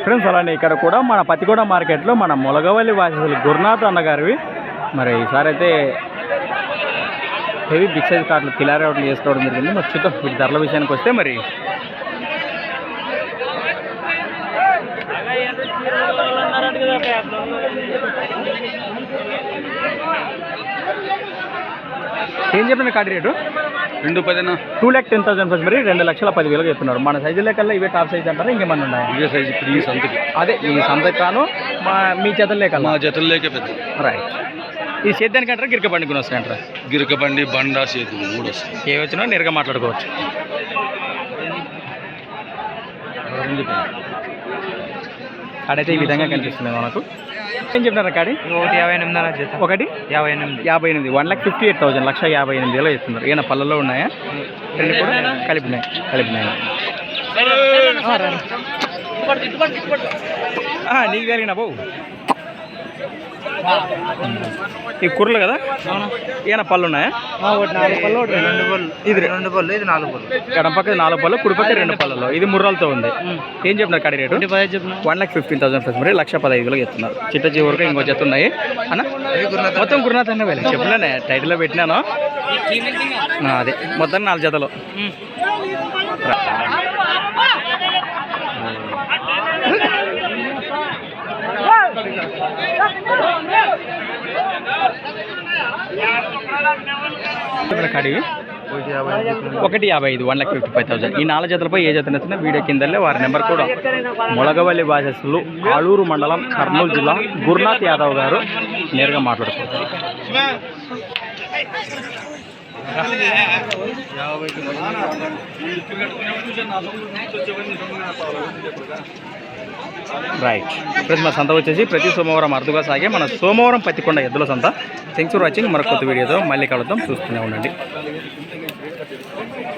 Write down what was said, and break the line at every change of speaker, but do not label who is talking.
Friends అలానే ఇక్కడ కూడా మన పత్తిగూడ మార్కెట్లో మన మొలగవల్లి వాసీసులు గురునాథ్ అన్నగారివి మరి ఈసారి అయితే హెవీ బిగ్ సైజ్ కార్డులు కిలారీ అవుట్లు చేసుకోవడం జరిగింది. మరి చూద్దాం వీటి ధరల విషయానికి వస్తే మరి ఏం చెప్పిన కార్డు రేటు
2,10
2,10,000 ఫస్ట్ మరి 2,10,000 చెప్తున్నారు. మన సైజు లెక్కల్లో ఇవే టాప్ సైజ్ అంటారా ఇంకేమన్నా ఉన్నాయి?
ఇవే సైజు ఇప్పుడు ఈ సంతకి
అదే ఈ సంతకి కాను మీ జతలు లేక
మా జతలు లేక పెద్ద
రైట్. ఈ సేద్యానికి అంటారా గిరిక బండికి వస్తాయంటారా?
గిరిక బండి బండ సేతు 3 వస్తాయి.
ఏ వచ్చినా నేరుగా మాట్లాడుకోవచ్చు. కాడైతే ఈ విధంగా కనిపిస్తుంది మనకు. ఏం చెప్తున్నారు కాడి?
1,58,000
ఒకటి 58 1,58,000 1,58,000 చెప్తున్నారు. ఏమైనా పళ్ళలో ఉన్నాయా? రెండు కూడా కలిపినాయి నీకు కలిగిన బావు ఈ కూరలు కదా ఏమైనా పళ్ళు ఉన్నాయా? ఇది 2 పళ్ళు ఇది 4 పళ్ళు. ఎడం పక్క 4 పళ్ళు కుడి పక్క 2 పళ్ళలో ఇది ముర్రాలతో ఉంది. ఏం చెప్తున్నారు కాడి రేటు? 1,15,000 ఫస్ట్ మరి 1,15,000 చెప్తున్నారు. చిట్ట చివరికి ఇంకో జత ఉన్నాయి అన్న మొత్తం గురునాథ్ అన్న వెళ్ళి చెప్పలేనే టైటిల్లో పెట్టినాను. అదే మొత్తం 4 జతలు. కడివి 1,55 1,55,000. ఈ 4 జతలపై ఏ జత నచ్చినా వీడియో కిందలే వారి నెంబర్ కూడా. మొలగవల్లి వాసస్సులు ఆలూరు మండలం కర్నూలు జిల్లా గురునాథ్ యాదవ్ గారు నేరుగా మాట్లాడుకుంటారు. రైట్ ఫ్రెండ్స్, మన సంత వచ్చేసి ప్రతి సోమవారం అరుదుగా సాగే మన సోమవారం పత్తికొండ ఎద్దుల సంత. Thanks for watching. మరొక కొత్త వీడియోతో మళ్ళీ కలుద్దాం. చూస్తూనే ఉండండి.